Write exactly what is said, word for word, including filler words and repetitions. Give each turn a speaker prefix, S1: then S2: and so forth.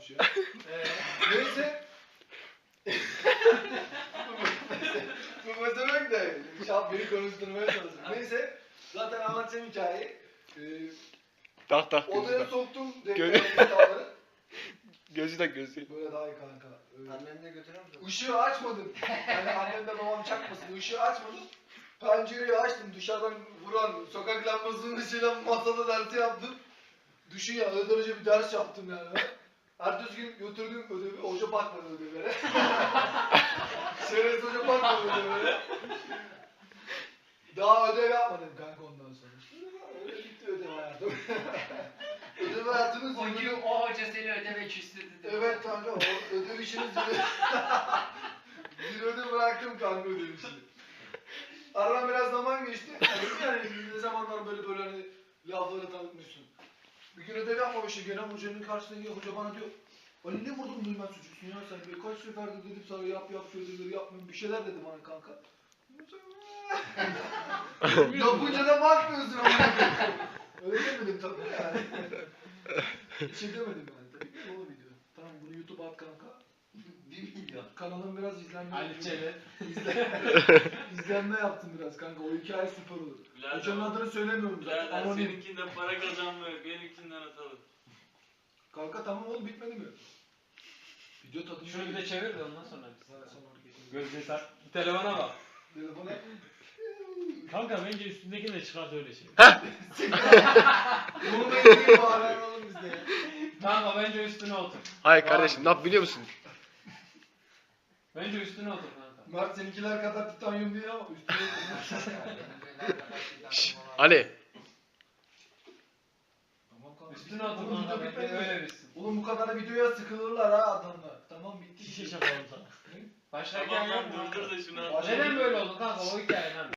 S1: şu an. Neyse. Bu demek de şap beni konuşturmaya çalışıyor. Neyse. Zaten anlatacağım hikayeyi. Ee,
S2: Tak tak
S1: odaya
S2: gözü tak.
S1: soktum
S2: Gö-
S1: depremleri.
S2: Gözü tak gözü.
S1: Böyle daha iyi kanka. Ee,
S3: Anneni de götürür müsün?
S1: Işığı açmadım. Yani annem de babam çakmasın. Işığı açmadım. Pencereyi açtım. Dışarıdan vuran sokak lambasının ışığıyla masada dersi yaptım. Düşün ya, öyle derece bir ders yaptım yani. Ertesi gün götürdüm ödevi, hoca bakmadı ödevlere. Şerefsiz hoca bakmadı ödevlere. Daha ödev yapmadım kanka ondan sonra. Öyle bitti ödev hayatım. Ödev hayatınız
S3: O gün o hoca seni ödeme küstürdü.
S1: evet kanka, o ödev işini zirve... Zirvede bıraktım kanka ödev işini. Aradan biraz zaman geçti. Yani ne zamanlar böyle böyle hani lafları tanıtmışsın. Bir gün ödev yapmamışım gene hocanın karşısına geliyor, hoca bana diyor Ali ne vurdun duymaz çocuksun ya sen, birkaç seferde dedim sana yap yap şu ödevleri yapmıyorum, bir şeyler dedi bana kanka. Yapınca da bakmıyorsun ama. Öyle demedim tabii yani. Bir şey demedim yani tabii ki o video. Tamam bunu YouTube'a at kanka.
S3: Bir milyon.
S1: Kanalım biraz izlenme.
S3: Ali Çelet.
S1: İzle... İzlenme yaptım biraz kanka, o hikaye süper olur.
S4: Birader,
S1: Hocanın adını söylemiyorum zaten.
S4: birader
S1: Anonim.
S4: seninkinden para kazanmıyor, benimkinden atalım.
S1: Kanka tamam oğlum, bitmedi mi? Video tadı.
S5: Şunu bir de çevir de ondan sonra.
S1: Sonra sonra hareketini.
S5: Gözde tak. Telefona bak.
S1: Telefona.
S5: Kanka bence üstündekini de çıkart öyle şey.
S1: Bunu da izleyin bari oğlum bizde ya.
S5: Kanka bence üstüne otur.
S2: Hayır kardeşim ne yap biliyor musun?
S5: Bence üstüne otur kanka.
S1: Mert seninkiler kadar titanyum değil ama üstüne.
S2: Şşş Ali.
S1: Tamam kanka.
S5: Üstüne otur
S1: Oğlum
S5: kanka
S1: video
S5: bence
S1: bitmedi mi?
S5: öyle bitsin.
S1: Oğlum bu kadar videoya sıkılırlar ha adamlar. Tamam bitti.
S5: Şişe yapalım sana. Başlarken
S4: Tamam lan
S5: yapma.
S4: durdur da şunu
S1: Başla.
S4: at.
S5: Neden böyle oldu kanka o hikaye lan?